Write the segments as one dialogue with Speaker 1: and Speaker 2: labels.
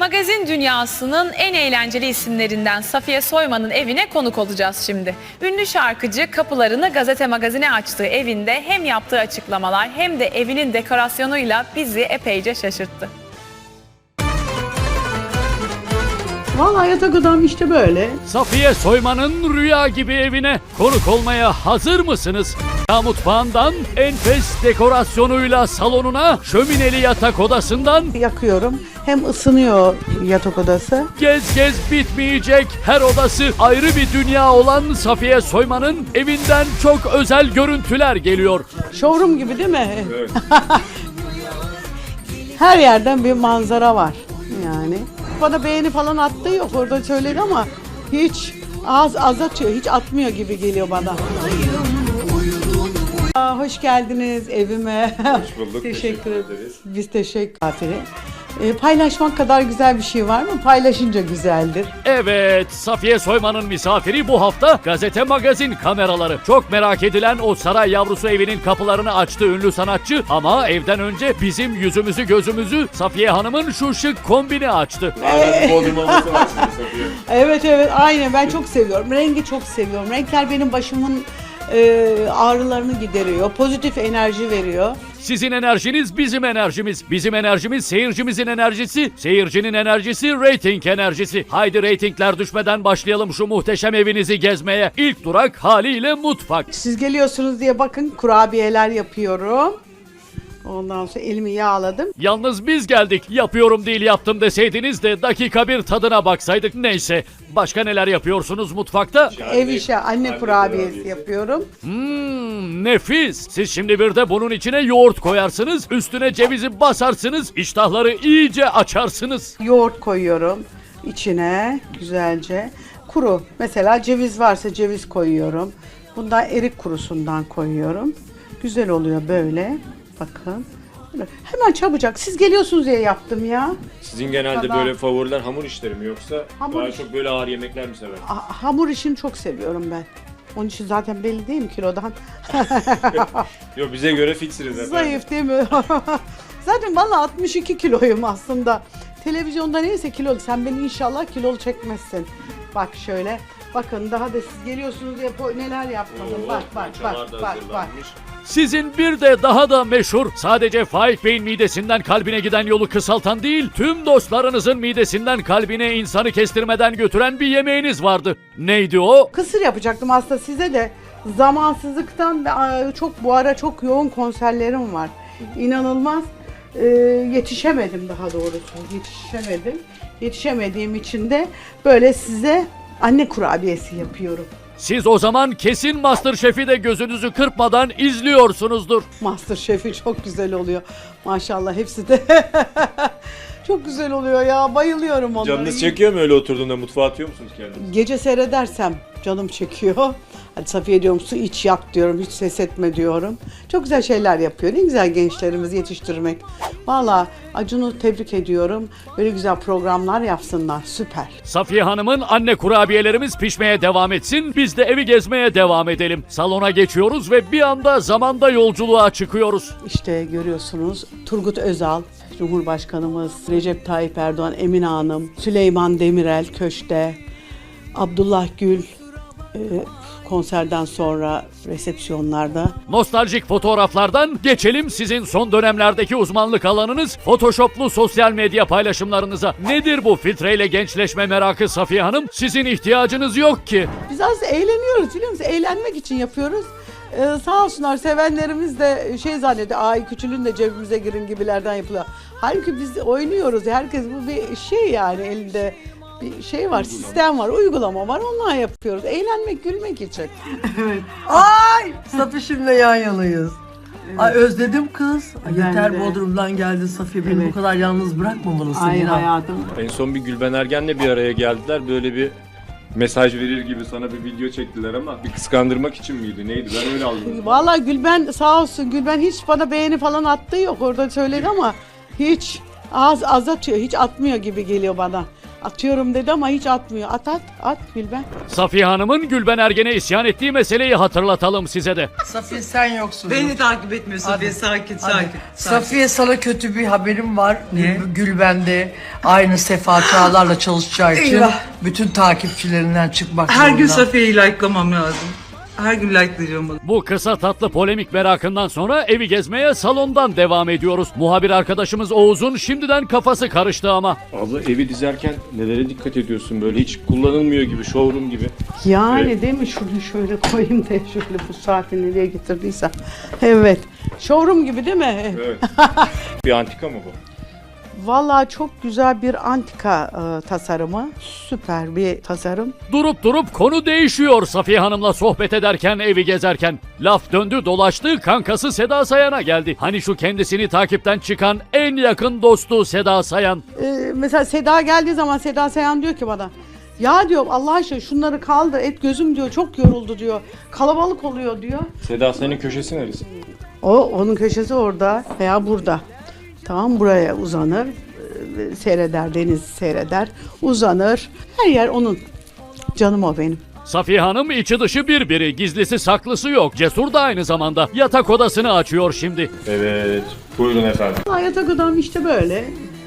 Speaker 1: Magazin dünyasının en eğlenceli isimlerinden Safiye Soyman'ın evine konuk olacağız şimdi. Ünlü şarkıcı kapılarını Gazete Magazin'e açtığı evinde hem yaptığı açıklamalar hem de evinin dekorasyonuyla bizi epeyce şaşırttı.
Speaker 2: Vallahi yatak odam işte böyle.
Speaker 3: Safiye Soyman'ın rüya gibi evine konuk olmaya hazır mısınız? Mutfağından enfes dekorasyonuyla salonuna, şömineli yatak odasından
Speaker 2: Yakıyorum. Hem ısınıyor yatak odası.
Speaker 3: gez bitmeyecek her odası ayrı bir dünya olan Safiye Soyman'ın evinden çok özel görüntüler geliyor.
Speaker 2: Showroom gibi değil mi? Evet. Her yerden bir manzara var yani. Bana beğeni falan attığı yok, orada söyledi ama hiç az atıyor, hiç atmıyor gibi geliyor bana. Hoş geldiniz evime.
Speaker 4: Hoş bulduk.
Speaker 2: Teşekkür ederiz. Biz teşekkür ederiz. Paylaşmak kadar güzel bir şey var mı? Paylaşınca güzeldir.
Speaker 3: Evet, Safiye Soyman'ın misafiri bu hafta Gazete Magazin kameraları. Çok merak edilen o saray yavrusu evinin kapılarını açtı ünlü sanatçı ama evden önce bizim yüzümüzü gözümüzü Safiye Hanım'ın şu şık kombini açtı.
Speaker 4: Bodrum olması var sizin Safiye.
Speaker 2: Evet aynen, ben çok seviyorum. Rengi çok seviyorum. Renkler benim başımın ağrılarını gideriyor. Pozitif enerji veriyor.
Speaker 3: Sizin enerjiniz bizim enerjimiz. Bizim enerjimiz seyircimizin enerjisi. Seyircinin enerjisi reyting enerjisi. Haydi reytingler düşmeden başlayalım şu muhteşem evinizi gezmeye. İlk durak haliyle mutfak.
Speaker 2: Siz geliyorsunuz diye bakın kurabiyeler yapıyorum. Ondan sonra elimi yağladım.
Speaker 3: Yalnız biz geldik. Yapıyorum değil yaptım deseydiniz de dakika bir tadına baksaydık. Neyse. Başka neler yapıyorsunuz mutfakta?
Speaker 2: Ev işi anne kurabiyesi yapıyorum.
Speaker 3: Nefis. Siz şimdi bir de bunun içine yoğurt koyarsınız. Üstüne cevizi basarsınız. İştahları iyice açarsınız.
Speaker 2: Yoğurt koyuyorum içine güzelce. Kuru. Mesela ceviz varsa ceviz koyuyorum. Bundan erik kurusundan koyuyorum. Güzel oluyor böyle. Bakın. Hemen çabucak. Siz geliyorsunuz diye yaptım ya.
Speaker 4: Sizin genelde böyle favoriler hamur işleri mi yoksa
Speaker 2: Hamur
Speaker 4: daha
Speaker 2: iş-
Speaker 4: çok böyle ağır yemekler mi sever?
Speaker 2: Hamur işini çok seviyorum ben. Onun için zaten belli değil mi kilodan?
Speaker 4: Yok bize göre fiksiniz efendim.
Speaker 2: Zayıf değil mi? Zaten vallahi 62 kiloyum aslında. Televizyonda neyse kilolu. Sen beni inşallah kilolu çekmezsin. Bak şöyle. Bakın daha da siz geliyorsunuz diye neler yapmadım.
Speaker 4: Oo,
Speaker 2: Bak.
Speaker 4: poğaçalar da hazırlanmış.
Speaker 3: Sizin bir de daha da meşhur, sadece Faik Bey'in midesinden kalbine giden yolu kısaltan değil, tüm dostlarınızın midesinden kalbine insanı kestirmeden götüren bir yemeğiniz vardı. Neydi o?
Speaker 2: Kısır yapacaktım aslında size de. Zamansızlıktan çok bu ara çok yoğun konserlerim var. İnanılmaz. Yetişemedim daha doğrusu. Yetişemediğim için de böyle size anne kurabiyesi yapıyorum.
Speaker 3: Siz o zaman kesin MasterChef'i de gözünüzü kırpmadan izliyorsunuzdur.
Speaker 2: MasterChef'i çok güzel oluyor. Maşallah hepsi de çok güzel oluyor ya. Bayılıyorum onlara.
Speaker 4: Canınız çekiyor mu öyle oturduğunda mutfağa atıyor musunuz kendinizi?
Speaker 2: Gece seyredersem canım çekiyor. Hadi Safiye diyorum su iç yak diyorum. Hiç ses etme diyorum. Çok güzel şeyler yapıyor. Ne güzel gençlerimizi yetiştirmek. Valla Acun'u tebrik ediyorum. Böyle güzel programlar yapsınlar. Süper.
Speaker 3: Safiye Hanım'ın anne kurabiyelerimiz pişmeye devam etsin, biz de evi gezmeye devam edelim. Salona geçiyoruz ve bir anda zamanda yolculuğa çıkıyoruz.
Speaker 2: İşte görüyorsunuz Turgut Özal, Cumhurbaşkanımız, Recep Tayyip Erdoğan, Emine Hanım, Süleyman Demirel köşkte, Abdullah Gül konserden sonra resepsiyonlarda.
Speaker 3: Nostaljik fotoğraflardan geçelim sizin son dönemlerdeki uzmanlık alanınız Photoshop'lu sosyal medya paylaşımlarınıza. Nedir bu filtreyle gençleşme merakı Safiye Hanım? Sizin ihtiyacınız yok ki.
Speaker 2: Biz az eğleniyoruz biliyor musun? Eğlenmek için yapıyoruz. Sağ olsunlar sevenlerimiz de şey zannediyor. Ay küçülün de cebimize girin gibilerden yapılıyor. Halbuki biz oynuyoruz. Herkes bu bir şey yani elinde bir şey var, sistem var, uygulama var. Onunla yapıyoruz. Eğlenmek, gülmek için.
Speaker 5: Ay Safişimle yan yanayız. Ay özledim kız. Ay,
Speaker 2: Ben
Speaker 5: yeter
Speaker 2: de.
Speaker 5: Bodrum'dan geldin Safiye. Beni
Speaker 2: Evet.
Speaker 5: bu kadar yalnız bırakmamalısın.
Speaker 2: Ay
Speaker 5: inan.
Speaker 2: hayatım.
Speaker 4: En son bir Gülben Ergen'le bir araya geldiler. Böyle bir mesaj verir gibi sana bir video çektiler ama bir kıskandırmak için miydi? Neydi? Ben öyle aldım.
Speaker 2: Vallahi Gülben sağ olsun. Gülben hiç bana beğeni falan attığı yok. Orada söyledi ama hiç az atıyor. Hiç atmıyor gibi geliyor bana. Atıyorum dedi ama hiç atmıyor. At Gülben.
Speaker 3: Safiye Hanım'ın Gülben Ergen'e isyan ettiği meseleyi hatırlatalım size de.
Speaker 5: Safiye sen yoksun.
Speaker 6: Beni takip etmiyor Safiye.
Speaker 5: Hadi.
Speaker 6: Sakin,
Speaker 5: Hadi.
Speaker 6: sakin.
Speaker 5: Safiye sana kötü bir haberim var.
Speaker 6: Ne?
Speaker 5: Gülben'de aynı Sefa Çağlar'la çalışacağı için
Speaker 6: Eyvah.
Speaker 5: bütün takipçilerinden çıkmak
Speaker 6: Her gün
Speaker 5: zorunda.
Speaker 6: Safiye'yi like'lamam lazım. Her gün like'layacağım bunu.
Speaker 3: Bu kısa tatlı polemik merakından sonra evi gezmeye salondan devam ediyoruz. Muhabir arkadaşımız Oğuz'un şimdiden kafası karıştı ama.
Speaker 4: Abla evi dizerken nelere dikkat ediyorsun böyle hiç kullanılmıyor gibi showroom gibi.
Speaker 2: Yani
Speaker 4: Evet.
Speaker 2: değil mi? Şunu şöyle koyayım da şöyle bu saati nereye getirdiysem. Evet. Showroom gibi değil mi?
Speaker 4: Evet. Bir antika mı bu?
Speaker 2: Vallahi çok güzel bir antika tasarımı. Süper bir tasarım.
Speaker 3: Durup durup konu değişiyor Safiye Hanım'la sohbet ederken, evi gezerken. Laf döndü dolaştı, kankası Seda Sayan'a geldi. Hani şu kendisini takipten çıkan en yakın dostu Seda Sayan.
Speaker 2: Mesela Seda geldiği zaman Seda Sayan diyor ki bana, ya diyor Allah aşkına şunları kaldır et gözüm diyor çok yoruldu diyor. Kalabalık oluyor diyor.
Speaker 4: Seda senin köşesi neresi?
Speaker 2: Onun köşesi orada veya burada. Tamam, buraya uzanır. Seyreder, denizi seyreder. Uzanır. Her yer onun. Canım o benim.
Speaker 3: Safiye Hanım içi dışı birbiri, gizlisi saklısı yok. Cesur da aynı zamanda. Yatak odasını açıyor şimdi.
Speaker 4: Evet. Buyurun efendim.
Speaker 2: Yatak odam işte böyle.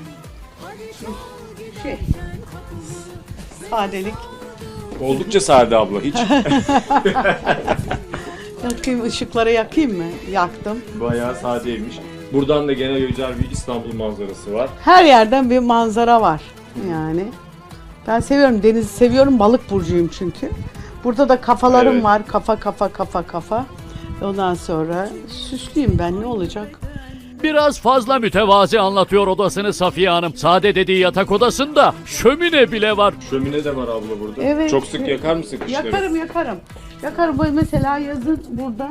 Speaker 2: Sadelik.
Speaker 4: Oldukça sade abla hiç.
Speaker 2: Yakayım, ışıkları yakayım mı? Yaktım.
Speaker 4: Bayağı sadeymiş. Buradan da gene güzel bir İstanbul manzarası var.
Speaker 2: Her yerden bir manzara var yani. Ben seviyorum, denizi seviyorum, balık burcuyum çünkü. Burada da kafalarım
Speaker 4: Evet.
Speaker 2: var, kafa. Ondan sonra süslüyüm ben, ne olacak?
Speaker 3: Biraz fazla mütevazi anlatıyor odasını Safiye Hanım. Sade dediği yatak odasında şömine bile var.
Speaker 4: Şömine de var abla burada.
Speaker 2: Evet.
Speaker 4: Çok sık yakar mısın kışları?
Speaker 2: Yakarım. Bu mesela yazın burada.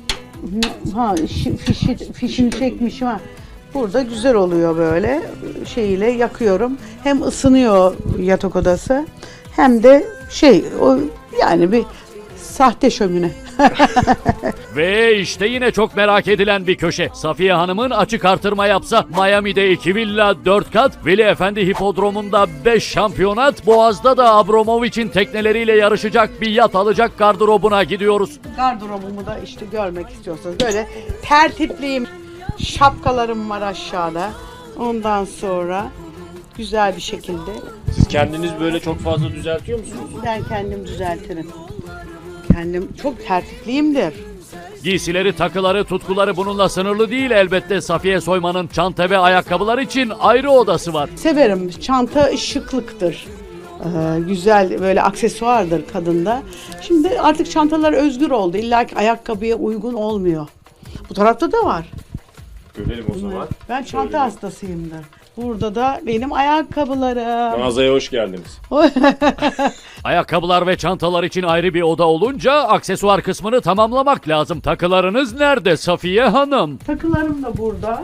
Speaker 2: Fişini çekmişim ha. Burada güzel oluyor böyle şeyiyle yakıyorum. Hem ısınıyor yatak odası hem de yani bir sahte şömine.
Speaker 3: Ve işte yine çok merak edilen bir köşe. Safiye Hanım'ın açık artırma yapsa Miami'de 2 villa 4 kat, Veli Efendi Hipodromu'nda 5 şampiyonat, Boğaz'da da Abramovich'in tekneleriyle yarışacak bir yat alacak gardırobuna gidiyoruz.
Speaker 2: Gardırobumu da işte görmek istiyorsanız böyle tertipliyim. Şapkalarım var aşağıda. Ondan sonra güzel bir şekilde
Speaker 4: Siz kendiniz böyle çok fazla düzeltiyor musunuz?
Speaker 2: ben kendim düzeltirim. Kendim çok tertipliyimdir.
Speaker 3: Giysileri, takıları, tutkuları bununla sınırlı değil elbette. Safiye Soyman'ın çanta ve ayakkabılar için ayrı odası var.
Speaker 2: Severim. Çanta şıklıktır. Güzel böyle aksesuardır kadında. Şimdi artık çantalar özgür oldu. İlla ki ayakkabıya uygun olmuyor. Bu tarafta da var.
Speaker 4: Görelim o zaman.
Speaker 2: Ben çanta
Speaker 4: Şöyle.
Speaker 2: hastasıyımdır. Burada da benim ayakkabılarım.
Speaker 4: Mağazaya hoş geldiniz.
Speaker 3: Ayakkabılar ve çantalar için ayrı bir oda olunca aksesuar kısmını tamamlamak lazım. Takılarınız nerede Safiye Hanım?
Speaker 2: Takılarım da burada.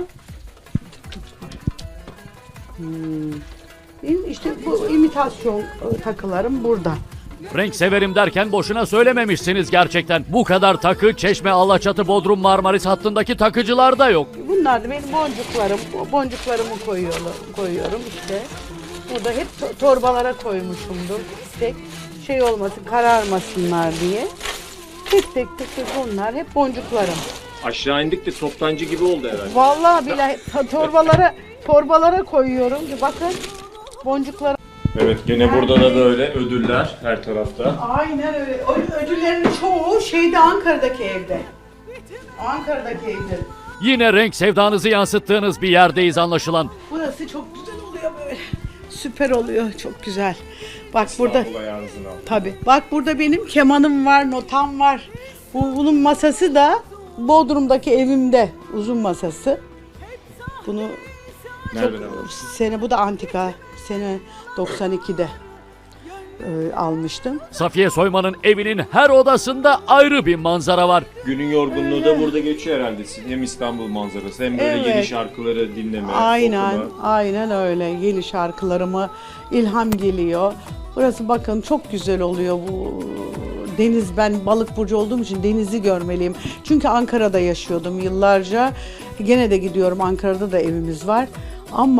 Speaker 2: İşte bu imitasyon takılarım burada.
Speaker 3: Renk severim derken boşuna söylememişsiniz gerçekten. Bu kadar takı Çeşme, Alaçatı, Bodrum, Marmaris hattındaki takıcılarda yok.
Speaker 2: Bunlar da benim boncuklarım. Boncuklarımı koyuyorum işte. Burada hep torbalara koymuşumdur. Tek şey olmasın, kararmasınlar diye. Tek bunlar hep boncuklarım.
Speaker 4: Aşağı indik de toptancı gibi oldu herhalde.
Speaker 2: Vallahi billahi torbalara koyuyorum. Bakın boncuklar.
Speaker 4: Evet gene burada da böyle ödüller her tarafta.
Speaker 2: Aynen öyle. Ödüllerin çoğu Ankara'daki evde. Ankara'daki evde.
Speaker 3: Yine renk sevdanızı yansıttığınız bir yerdeyiz anlaşılan.
Speaker 2: Burası çok güzel oluyor böyle. Süper oluyor. Çok güzel. Bak burada.
Speaker 4: İstanbul ayağınızın altında.
Speaker 2: Tabii. Bak burada benim kemanım var, notam var. Bunun masası da Bodrum'daki evimde. Uzun masası. Bunu
Speaker 4: Nereden aldınız?
Speaker 2: bu da antika. Sene 92'de almıştım.
Speaker 3: Safiye Soyman'ın evinin her odasında ayrı bir manzara var.
Speaker 4: Günün yorgunluğu da burada geçiyor herhalde. Hem İstanbul manzarası hem böyle
Speaker 2: Evet.
Speaker 4: yeni şarkıları dinleme,
Speaker 2: Aynen,
Speaker 4: okuma.
Speaker 2: aynen öyle. Yeni şarkılarıma ilham geliyor. Burası bakın çok güzel oluyor bu deniz. Ben balık burcu olduğum için denizi görmeliyim. Çünkü Ankara'da yaşıyordum yıllarca. Gene de gidiyorum. Ankara'da da evimiz var. Ama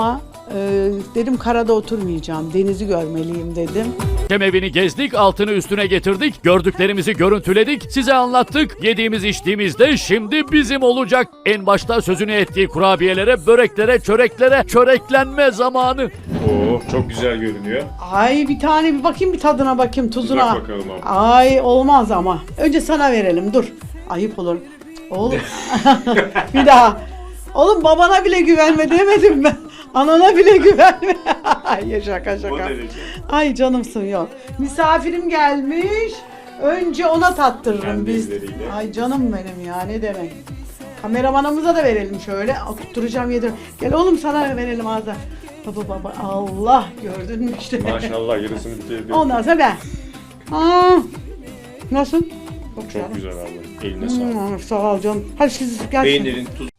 Speaker 2: Dedim karada oturmayacağım, denizi görmeliyim dedim.
Speaker 3: Hem evini gezdik, altını üstüne getirdik, gördüklerimizi görüntüledik, size anlattık. Yediğimiz içtiğimizde şimdi bizim olacak. En başta sözünü ettiği kurabiyelere, böreklere, çöreklere, çöreklenme zamanı.
Speaker 4: Oo, çok güzel görünüyor.
Speaker 2: Ay bir tane bir bakayım, bir tadına bakayım, tuzuna.
Speaker 4: Bak bakalım abi.
Speaker 2: Ay olmaz ama. Önce sana verelim, dur. Ayıp olur. Oğlum. Bir daha. Oğlum babana bile güvenme demedim ben. Anana bile güvenme. Ay şaka
Speaker 4: O
Speaker 2: şaka.
Speaker 4: derece.
Speaker 2: Ay canımsın yok. Misafirim gelmiş. Önce ona tattırırım
Speaker 4: Kendi
Speaker 2: biz.
Speaker 4: elleriyle.
Speaker 2: Ay canım benim ya, ne demek. Kameramanımıza da verelim şöyle. Akutturacağım yedim. Gel oğlum sana verelim ağza. Baba Allah, gördün mü işte.
Speaker 4: Maşallah yarısını bitirdi.
Speaker 2: Ondan sonra ben. Aa, nasıl?
Speaker 4: Çok güzel abi. Eline sağlık.
Speaker 2: Sağ ol canım. Hadi siz gerçekten.
Speaker 4: Peynirin, tuz